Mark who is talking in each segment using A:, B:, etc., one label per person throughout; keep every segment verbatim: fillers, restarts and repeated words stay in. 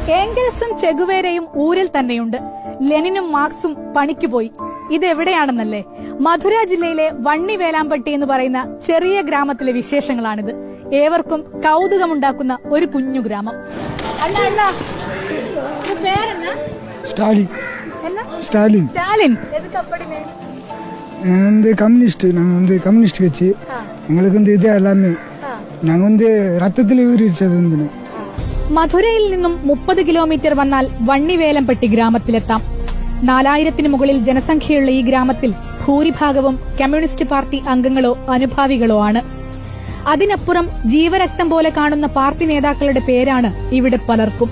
A: ഏംഗൽസും ചെഗുവേരയും ഊരിൽ തന്നെയുണ്ട്. ലെനിനും മാർക്സും പണിക്കുപോയി. ഇതെവിടെയാണെന്നല്ലേ? മധുര ജില്ലയിലെ വണ്ണി വേലാമ്പട്ടി എന്ന് പറയുന്ന ചെറിയ ഗ്രാമത്തിലെ വിശേഷങ്ങളാണിത്. ഏവർക്കും കൗതുകമുണ്ടാക്കുന്ന ഒരു കുഞ്ഞു ഗ്രാമം.
B: ஸ்டாலின் ஸ்டாலின்
A: ஸ்டாலின் எதுக்கு அப்படி நேம்?
B: வந்து கம்யூனிஸ்ட். நாங்கள் வந்து கம்யூனிஸ்ட் கட்சி. எங்களுக்கு வந்து இது எல்லாமே ഞങ്ങൾ வந்து രക്തത്തിൽ ഊരിച്ചത്.
A: മധുരയിൽ നിന്നും മുപ്പത് കിലോമീറ്റർ വന്നാൽ വണ്ണിവേലംപട്ടി ഗ്രാമത്തിലെത്താം. നാലായിരത്തിന് മുകളിൽ ജനസംഖ്യയുള്ള ഈ ഗ്രാമത്തിൽ ഭൂരിഭാഗവും കമ്മ്യൂണിസ്റ്റ് പാർട്ടി അംഗങ്ങളോ അനുഭാവികളോ ആണ്. അതിനപ്പുറം ജീവരക്തം പോലെ കാണുന്ന പാർട്ടി നേതാക്കളുടെ പേരാണ് ഇവിടെ പലർക്കും.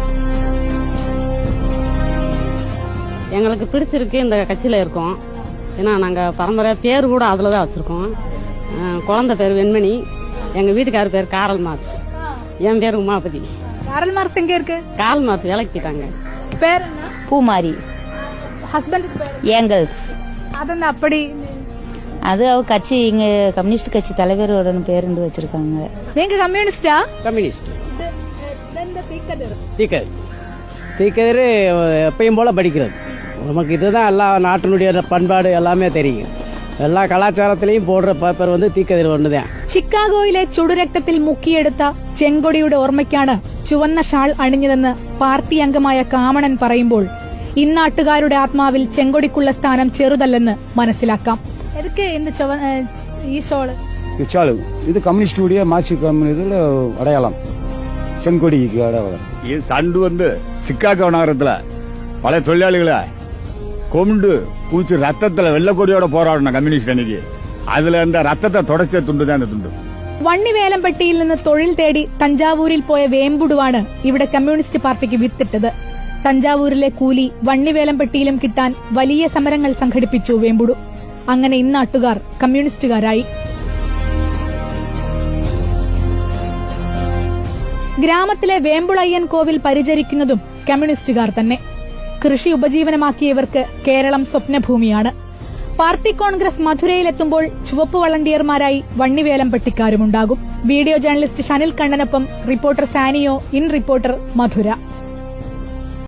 C: எங்களுக்கு பிடிச்சிருக்கு இந்த கட்சியில இருக்கோம். ஏன்னா நாங்க பரம்பரையா பேர் கூட அதுலதான் வச்சிருக்கோம். குழந்தை பேர் வெண்மணி, எங்க வீட்டுக்கார பேர் காரல் மார்க்ஸ், என் பேர் உமாபதி.
A: காரல் மார்க்ஸ் எங்க இருக்கு?
C: காரல் மார்க்ஸ் இலக்கிட்டாங்க.
A: பேர் என்ன?
D: பூமாரி.
A: ஹஸ்பண்ட் பேர்
D: ஏங்கல்ஸ்.
A: அதென்ன அப்படி?
D: அது அவ கட்சி, இங்க கம்யூனிஸ்ட் கட்சி தலைவரோட பேருந்து வச்சிருக்காங்க.
A: நீங்க கம்யூனிஸ்டா?
E: கம்யூனிஸ்ட். தீக்கதிர் எப்பயும் போல படிக்கிறது. நமக்கு இதுதான் எல்லா நாட்டினுடைய பண்பாடு எல்லாமே தெரியும். എല്ലാ കലാചാരത്തിലെയും പോടുற പേപ്പർ വന്ന് തീക്കതിർ ഒന്നുതാണ്.
A: ചിക്കാഗോയിലെ ചുടുരക്തത്തിൽ മുക്കിയെടുത്ത ചെങ്കൊടിയുടെ ഓർമ്മയ്ക്കാണ് ചുവന്ന ഷാൾ അണിഞ്ഞതെന്ന് പാർട്ടി അംഗമായ കാമണൻ പറയുമ്പോൾ ഇന്നാട്ടുകാരുടെ ആത്മാവിൽ ചെങ്കൊടിക്കുള്ള സ്ഥാനം ചെറുതല്ലെന്ന് മനസ്സിലാക്കാം. ഈ ഷോള്
B: ഇത് കമ്മ്യൂണിസ്റ്റുடைய മാർക്സിസ്റ്റ് കമ്മ്യൂണിസ്റ്റിൽ അടയാളം, செங்கொடிக்கு அடையாளம்.
F: இது தண்டு வந்து சிக்காகோ நகரத்துல பல தொழிலாளிகளை கொண்டு பூச்சி ரத்தத்துல வெள்ளக்கொடியோட போராடணும் കമ്മ്യൂണിസ്റ്റ് അണിക്ക്. അതിൽ എന്താ രക്തത്തെ തുടച്ച തുണ്ട് തന്നെ തുണ്ട്.
A: വണ്ണിവേലംപട്ടിയിൽ നിന്ന് തൊഴിൽ തേടി തഞ്ചാവൂരിൽ പോയ വേമ്പുടുവാണ് ഇവിടെ കമ്മ്യൂണിസ്റ്റ് പാർട്ടിക്ക് വിത്തിട്ടത്. തഞ്ചാവൂരിലെ കൂലി വണ്ണിവേലംപട്ടിയിലും കിട്ടാൻ വലിയ സമരങ്ങൾ സംഘടിപ്പിച്ചു വേമ്പുടു. അങ്ങനെ ഇന്നാട്ടുകാർ കമ്മ്യൂണിസ്റ്റുകാരായി. ഗ്രാമത്തിലെ വേമ്പുളയ്യൻ കോവിൽ പരിചരിക്കുന്നതും കമ്മ്യൂണിസ്റ്റുകാർ തന്നെ. കൃഷി ഉപജീവനമാക്കിയവർക്ക് കേരളം സ്വപ്നഭൂമിയാണ്. പാർട്ടി കോൺഗ്രസ് മധുരയിലെത്തുമ്പോൾ ചുവപ്പ് വളണ്ടിയർമാരായി വണ്ണിവേലംപട്ടിക്കാരുമുണ്ടാകും. വീഡിയോ ജേർണലിസ്റ്റ് ഷനിൽ കണ്ണനൊപ്പം reporter Saniyo, in reporter, Madurai.